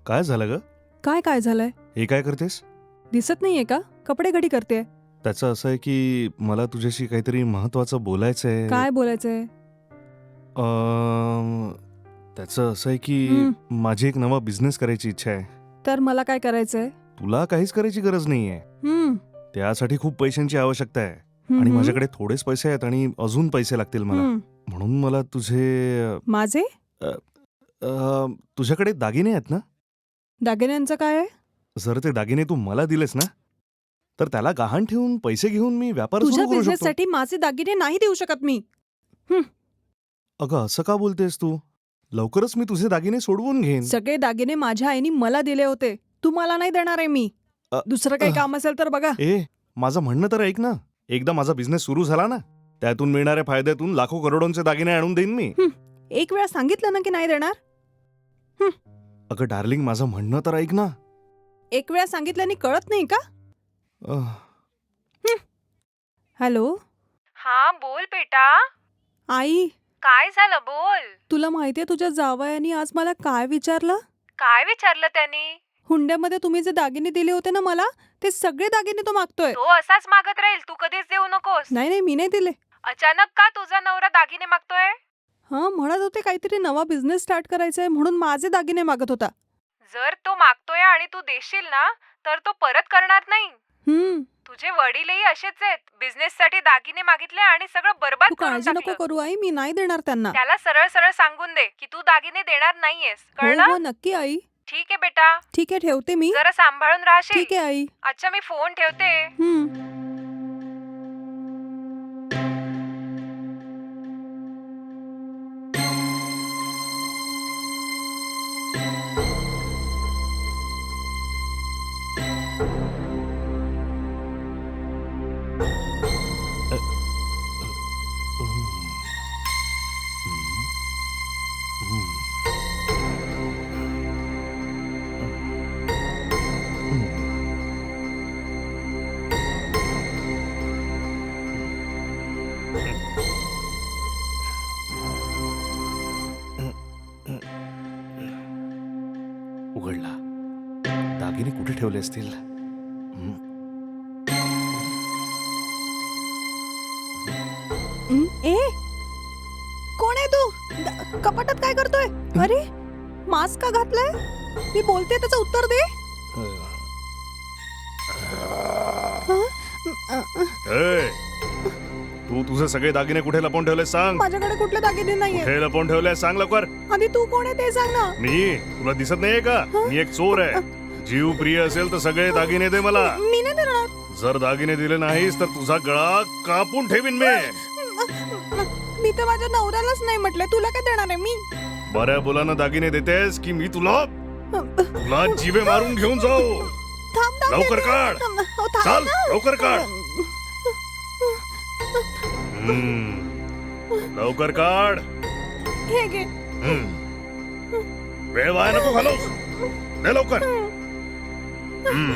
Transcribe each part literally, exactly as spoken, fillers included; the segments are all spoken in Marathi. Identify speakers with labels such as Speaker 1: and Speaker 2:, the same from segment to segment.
Speaker 1: काय झालं ग?
Speaker 2: काय काय झालंय?
Speaker 1: हे काय करतेस?
Speaker 2: दिसत नाहीये का? कपडे घडी करते.
Speaker 1: त्याचं असं आहे की मला तुझ्याशी काहीतरी महत्वाचं बोलायचंय.
Speaker 2: काय बोलायचंय?
Speaker 1: अं, त्याचं असं आहे की
Speaker 2: हं.
Speaker 1: माझी एक नवा बिझनेस करायची इच्छा आहे.
Speaker 2: तर मला काय करायचंय?
Speaker 1: तुला काहीच करायची गरज नाहीये.
Speaker 2: हम्म
Speaker 1: त्यासाठी खूप पैशांची आवश्यकता आहे
Speaker 2: हम्म,
Speaker 1: आणि
Speaker 2: हम्म.
Speaker 1: माझ्याकडे थोडेच पैसे आहेत आणि अजून पैसे लागतील मला.
Speaker 2: हम्म.
Speaker 1: म्हणून मला तुझे
Speaker 2: माझे
Speaker 1: अं, तुझ्याकडे दागिने आहेत ना?
Speaker 2: दागिन्यांचं काय आहे?
Speaker 1: जर ते दागिने तू मला दिलेस ना तर त्याला गहाण ठेवून पैसे घेऊन मी व्यापार
Speaker 2: तुझ्या
Speaker 1: सुरू करू
Speaker 2: बिझनेस
Speaker 1: शकतो.
Speaker 2: साठी माझे दागिने नाही देऊ शकत मी.
Speaker 1: अगं असं का बोलतेस तू? लवकरच मी तुझे दागिने सोडवून घेईन.
Speaker 2: सगळे दागिने माझ्या आईने मला दिले होते. तू मला नाही देणार आहे मी.
Speaker 1: अ,
Speaker 2: दुसरं काही
Speaker 1: अ.
Speaker 2: काम असेल तर बघा.
Speaker 1: ए माझं म्हणणं तर ऐक ना. एकदा माझा बिझनेस सुरू झाला ना त्यातून मिळणाऱ्या फायद्यातून लाखो करोडोंचे दागिने आणून देईन मी.
Speaker 2: हं. एक वेळा सांगितलं ना की नाही देणार.
Speaker 1: अगं डार्लिंग माझं म्हणणं तर ऐक ना.
Speaker 2: एक वेळा सांगितल्याने कळत नाही का?
Speaker 1: अह,
Speaker 2: हॅलो
Speaker 3: हा बोल बेटा.
Speaker 2: आई,
Speaker 3: काय झालं बोल.
Speaker 2: तुला माहितीये तुझ्या जावयानी आज मला काय विचारलं?
Speaker 3: काय विचारलं त्यांनी?
Speaker 2: हुंड्यामध्ये तुम्ही जे दागिने दिले होते ना मला, ते सगळे दागिने तो मागतोय.
Speaker 3: तो असाच मागत राहील, तू कधीच देऊ नकोस.
Speaker 2: नाही नाही मी नाही दिले.
Speaker 3: अचानक का तुझा नवरा दागिने मागतोय?
Speaker 2: हा म्हणत होते काहीतरी नवा बिझनेस स्टार्ट करायचा आहे म्हणून माझे दागिने मागत होता.
Speaker 3: जर तो मागतोय आणि तू देशील ना तर तो परत करणार नाही.
Speaker 2: हम्म
Speaker 3: तुझे वडीलही असेच आहेत. बिझनेस साठी दागिने मागितले आणि सगळं बरबाद
Speaker 2: तू
Speaker 3: करून
Speaker 2: काळजी नको
Speaker 3: टाकलं.
Speaker 2: करू आई, मी नाही देणार त्यांना.
Speaker 3: त्याला सरळ सरळ सांगून दे की तू दागिने देणार नाहीयेस,
Speaker 2: हो
Speaker 3: कळलं?
Speaker 2: हो नक्की आई.
Speaker 3: ठीक आहे बेटा,
Speaker 2: ठीक आहे ठेवते मी.
Speaker 3: जरा सांभाळून राहशील.
Speaker 2: ठीक आहे आई.
Speaker 3: अच्छा मी फोन ठेवते.
Speaker 2: हम्म
Speaker 1: उघडला. दागिने कुठे ठेवले असतील? हं.
Speaker 2: हं, ए कोण आहे तू? द- कपाटात काय करतोय? अरे मास्क का घातलाय? मी बोलते त्याचं उत्तर दे. हं? अ, अ,
Speaker 1: ए, तू तुझे सगळे दागिने कुठे लपवून ठेवले सांग.
Speaker 2: माझ्याकडे कुठले दागिने नाहीये.
Speaker 1: कुठे लपवून ठेवले सांग लवकर.
Speaker 2: आधी तू कोण आहे ते सांग ना.
Speaker 1: मी तुला दिसत नाहीये का? मी एक चोर आहे. जीव प्रिय असेल तर सगळे दागिने दे मला.
Speaker 2: मी नाही देणार.
Speaker 1: जर दागिने दिले नाहीस तर तुझा गळा कापून ठेवीन मी.
Speaker 2: मी तर माझ्या नवऱ्यालाच नाही म्हटलंय, तुला काय देणार आहे मी?
Speaker 1: बऱ्या बोलानं दागिने देतेस की मी तुला तुला जीवे मारून घेऊन जाऊ.
Speaker 2: थांब थांब
Speaker 1: लवकर
Speaker 2: देते.
Speaker 1: काढ.
Speaker 2: थांब, हो, थांब
Speaker 1: चाल
Speaker 2: ना.
Speaker 1: लवकर काढ. हम्म, लवकर काढ.
Speaker 2: हे घे.
Speaker 1: हम्म. वेळ वाया नको घालवूस. दे लवकर. हम्म.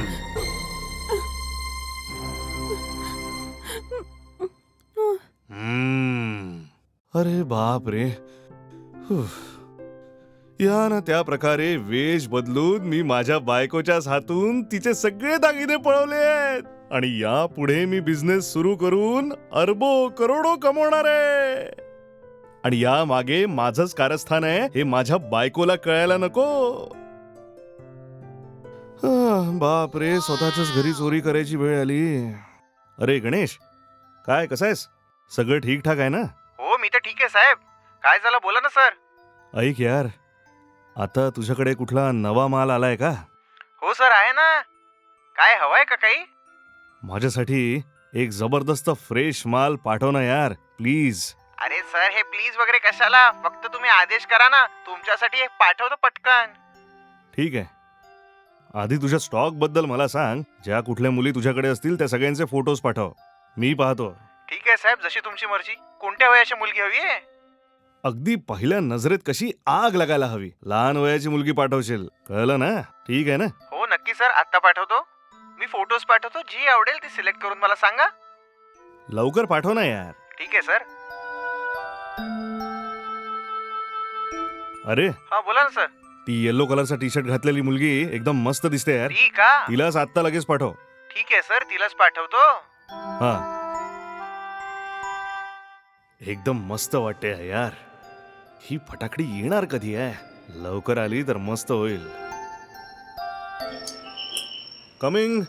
Speaker 1: हम्म. अरे बाप रे. हुफ. या ना त्या प्रकारे वेश बदलून मी माझ्या बायकोच्याच हातून तिचे सगळे दागिने पळवले आहेत आणि यापुढे मी बिझनेस सुरू करून अरबो करोडो कमवणार आहे. आणि या मागे माझंच कारस्थान आहे हे माझ्या बायकोला कळायला नको. आह, बाप रे, स्वतःच्याच घरी चोरी करायची वेळ आली. अरे गणेश, काय कसं आहेस? सगळं ठीकठाक आहे ना?
Speaker 4: हो मी तर ठीक आहे साहेब. काय झालं बोला ना सर.
Speaker 1: ऐक यार, आता तुझ्याकडे कुठला नवा माल आलाय का?
Speaker 4: हो सर आहे ना. काय हवंय का काही?
Speaker 1: माझ्यासाठी एक जबरदस्त फ्रेश माल पाठव ना यार, प्लीज.
Speaker 4: अरे सर हे प्लीज वगैरे कशाला, फक्त तुम्ही आदेश करा ना, तुमच्यासाठी हे पाठवतो पटकन.
Speaker 1: ठीक आहे. आधी तुझ्या स्टॉक बद्दल मला सांग. ज्या कुठल्या मुली तुझ्याकडे असतील त्या सगळ्यांचे फोटोज पाठव, मी पाहतो.
Speaker 4: ठीक आहे साहेब, जशी तुमची मर्जी. कोणत्या वयाची मुलगी हवी आहे?
Speaker 1: अगदी पहिल्या नजरेत कशी आग लागायला हवी. लहान वयाची मुलगी पाठवशील, कळलं ना? ठीक आहे ना?
Speaker 4: हो नक्की सर, आत्ता पाठवतो. मी फोटोज पाठवतो, जी आवडेल ती सिलेक्ट करून मला सांगा.
Speaker 1: लवकर पाठव ना यार.
Speaker 4: ठीक आहे सर.
Speaker 1: अरे
Speaker 4: हा बोला ना सर.
Speaker 1: ती येलो कलरचा टी शर्ट घातलेली मुलगी एकदम मस्त दिसते यार.
Speaker 4: ती का
Speaker 1: तिलाच आत्ता लगेच पाठव.
Speaker 4: ठीक आहे सर, तिलाच पाठवतो.
Speaker 1: हा एकदम मस्त वाटते यार. ही फटाकडी येणार कधी आहे? लवकर आली तर मस्त होईल. कमिंग.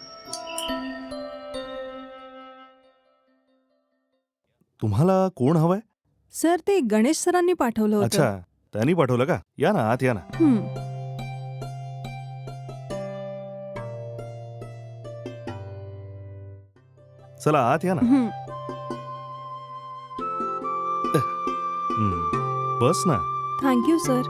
Speaker 1: तुम्हाला कोण हवंय?
Speaker 2: सर ते गणेश सरांनी पाठवलं होतं.
Speaker 1: अच्छा, त्यांनी पाठवलं का? या ना आत या ना.
Speaker 2: हं.
Speaker 1: चला आत या ना.
Speaker 2: हं.
Speaker 1: हम्म, बस ना.
Speaker 2: Thank you sir.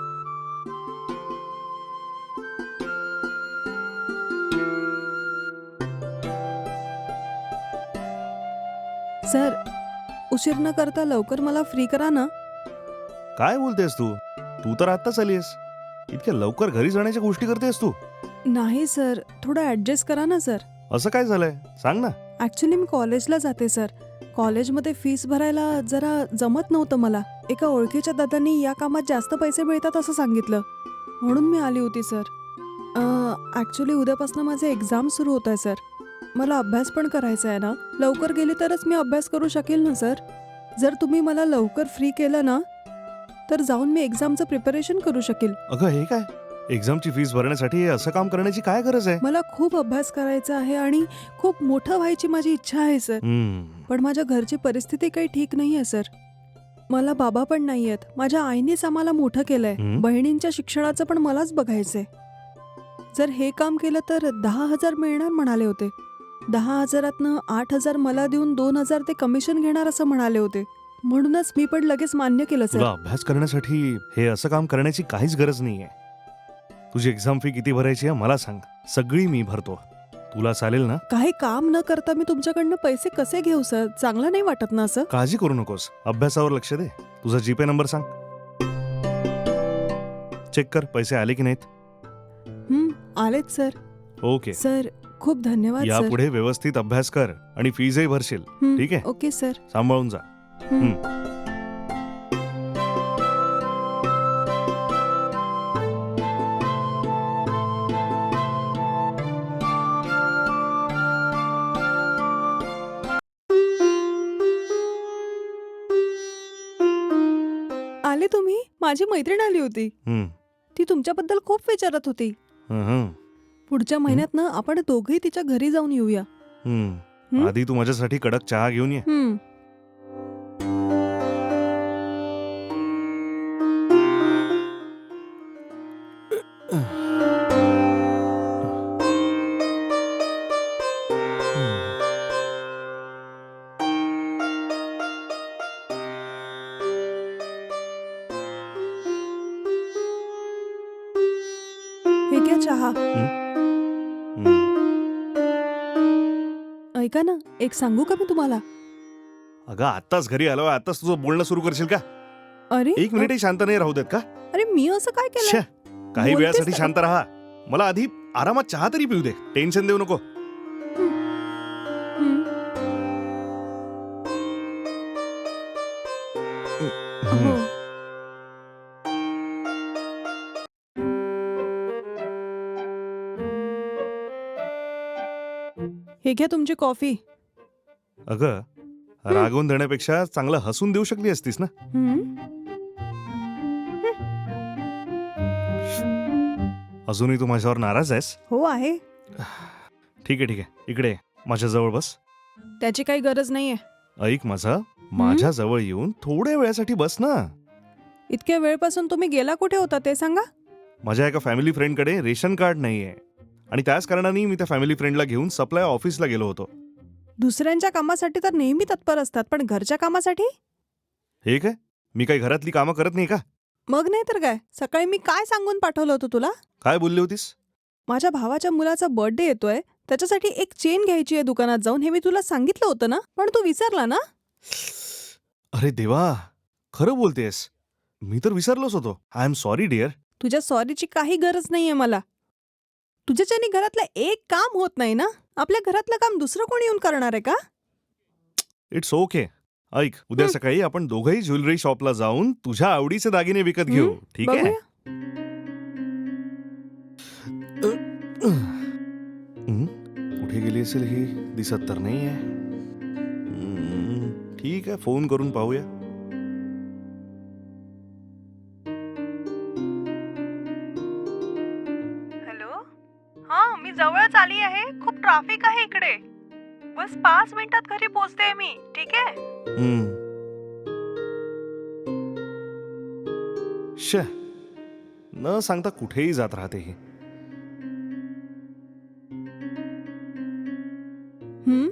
Speaker 2: सर उशीर न करता लवकर मला फ्री करा ना.
Speaker 1: काय बोलतेस तू? तू तर आत्ताच आलीस. इतक्या लवकर घरी जाण्याच्या गोष्टी करतेस तू?
Speaker 2: नाही सर, थोडं ऍडजस्ट करा ना सर.
Speaker 1: असं काय झालंय? सांग ना.
Speaker 2: ऍक्च्युली मी कॉलेजला जाते सर. कॉलेजमध्ये फीस भरायला जरा जमत नव्हतं मला. एका ओळखीच्या दादांनी या कामात जास्त पैसे मिळतात असं सांगितलं, म्हणून मी आली होती सर. ऍक्च्युली उद्यापासून माझे एक्झाम सुरू होत आहे सर. मला अभ्यास पण करायचा आहे ना. लवकर गेली तरच मी अभ्यास करू शकेल ना सर. जर तुम्ही मला लवकर फ्री केलं ना तर जाऊन मी एक्झामचं प्रिपरेशन करू शकेल.
Speaker 1: अगं हे काय? एक्झामची फीस भरण्यासाठी हे असं काम करण्याची काय गरज आहे?
Speaker 2: मला खूप अभ्यास करायचा आहे आणि खूप मोठं व्हायची माझी इच्छा आहे सर.
Speaker 1: हम्म,
Speaker 2: पण माझ्या घरची परिस्थिती काही ठीक नाही आहे सर. मला बाबा पण नाही आहेत. माझ्या आईनेच आम्हाला मोठं केलंय.
Speaker 1: हं?
Speaker 2: बहिणींच्या शिक्षणाचं पण मलाच बघायचंय. जर हे काम केलं तर दहा हजार मिळणार म्हणाले होते. दहा हजारातनं आठ हजार मला देऊन दोन हजार ते कमिशन घेणार असं म्हणाले होते. म्हणूनच मी पण लगेच मान्य केलं
Speaker 1: तुला
Speaker 2: सर.
Speaker 1: अभ्यास करण्यासाठी हे असं काम करण्याची काहीच गरज नाहीये. तुझी एक्झाम फी किती भरायची आहे मला सांग. सगळी मी भरतो. तुला चालेल ना?
Speaker 2: काही काम न करता मी तुमच्याकडनं पैसे कसे घेऊ सर? चांगलं नाही वाटत ना असं?
Speaker 1: काळजी करू नकोस. अभ्यासावर लक्ष दे. तुझा जीपे नंबर सांग. चेक कर पैसे आले की नाहीत.
Speaker 2: हं, आलेत सर.
Speaker 1: ओके.
Speaker 2: सर खूप धन्यवाद सर.
Speaker 1: यापुढे व्यवस्थित अभ्यास कर आणि फीजही भरशील.
Speaker 2: हं,
Speaker 1: ठीक आहे?
Speaker 2: Okay sir.
Speaker 1: सांभाळून जा.
Speaker 2: हं.
Speaker 1: हं.
Speaker 2: आले तुम्ही? माझी मैत्रीण आली होती.
Speaker 1: हं,
Speaker 2: ती तुमच्याबद्दल खूप विचारत होती.
Speaker 1: हं, हं,
Speaker 2: पुढच्या महिन्यात ना आपण दोघेही तिच्या घरी जाऊन येऊया.
Speaker 1: हं.
Speaker 2: हं?
Speaker 1: आधी तू माझ्यासाठी कडक चहा घेऊन ये.
Speaker 2: हं. हे घ्या चहा.
Speaker 1: हं.
Speaker 2: ऐका ना, एक सांगू का मी तुम्हाला?
Speaker 1: अगं आत्ताच घरी आलोय, आत्ताच तुझं बोलणं सुरू करशील का?
Speaker 2: अरे
Speaker 1: एक मिनिटही शांत नाही राहू देत का?
Speaker 2: अरे मी असं काय
Speaker 1: छे,
Speaker 2: केलं?
Speaker 1: काही
Speaker 2: बोलतेस
Speaker 1: वेळासाठी
Speaker 2: ना.
Speaker 1: शांत राहा. मला आधी आरामात चहा तरी पिऊ दे. टेन्शन देऊ नको.
Speaker 2: हो. हे घ्या तुमची कॉफी.
Speaker 1: अगं रागवून देण्यापेक्षा चांगलं हसून देऊ शकली असतीस ना.
Speaker 2: हं?
Speaker 1: अजूनही तू माझ्यावर नाराज आहेस?
Speaker 2: हो आहे.
Speaker 1: ठीक आहे ठीक आहे. इकडे ये. माझ्या जवळ बस.
Speaker 2: त्याची काही गरज नाहीये.
Speaker 1: ऐक माझं. माझ्या जवळ येऊन थोड्या वेळासाठी बस ना.
Speaker 2: इतक्या वेळपासून तुम्ही गेला कुठे होता ते सांगा.
Speaker 1: माझ्या एका फॅमिली फ्रेंडकडे रेशन कार्ड नाहीये आणि त्याच कारणाने मी त्या फॅमिली फ्रेंडला घेऊन सप्लाय ऑफिसला गेलो होतो.
Speaker 2: दुसऱ्यांच्या कामासाठी तर नेहमी तत्पर असतात, पण घरच्या कामासाठी?
Speaker 1: हे काय? मी काही घरातली कामं करत नाही का?
Speaker 2: मग नाही तर काय. सकाळी मी काय सांगून पाठवलं होतं तुला?
Speaker 1: काय बोलली होतीस?
Speaker 2: माझ्या भावाच्या मुलाचा बर्थडे येतोय, त्याच्यासाठी एक चेन घ्यायची आहे दुकानात जाऊन. हे मी तुला सांगितलं होतं ना, पण तू विसरला ना.
Speaker 1: अरे देवा, खरं बोलतेस. मी तर विसरलोच होतो. I am sorry dear.
Speaker 2: तुझ्या सॉरीची काही गरज नाहीये मला. तुझ्याच्यानी घरातलं एक काम होत नाही ना. आपल्या घरातलं काम दुसरं कोणी येऊन करणार आहे का?
Speaker 1: It's okay. ऐक, उद्या
Speaker 2: हं.
Speaker 1: सकाळी आपण दोघंही ज्वेलरी शॉपला जाऊन तुझ्या आवडीचे दागिने विकत घेऊ.
Speaker 2: हं,
Speaker 1: ठीक आहे?
Speaker 2: बघूया.
Speaker 1: हं? कुठे गेली असेल ही? दिसत तर नाही आहे. ठीक आहे, फोन करून पाहूया.
Speaker 3: हॅलो. हा, मी जवळच आली आहे. खूप ट्रॅफिक आहे इकडे. बस पाच मिनिटात घरी पोहोचते मी. ठीक आहे.
Speaker 1: हं. श न सांगता कुठेही जात राहते ही.
Speaker 2: हं?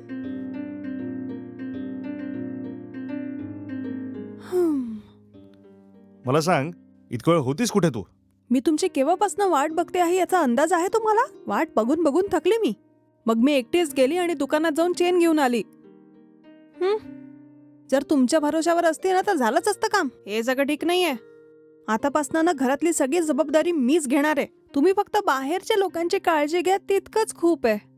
Speaker 2: हं.
Speaker 1: मला सांग, इतकं वेळ होतीस कुठे तू?
Speaker 2: मी तुमची केव्हापासून वाट बघते आहे याचा अंदाज आहे तुम्हाला? वाट बघून बघून थकली मी. मग मी एकटीच गेली आणि दुकानात जाऊन चेन घेऊन आली. हं? जर तुमच्या भरोशावर असते ना तर झालंच असतं काम. हे सगळं ठीक नाहीये. आतापासनं ना घरातली सगळी जबाबदारी मीच घेणार आहे. तुम्ही फक्त बाहेरच्या लोकांची काळजी घ्या, तितकंच खूप आहे.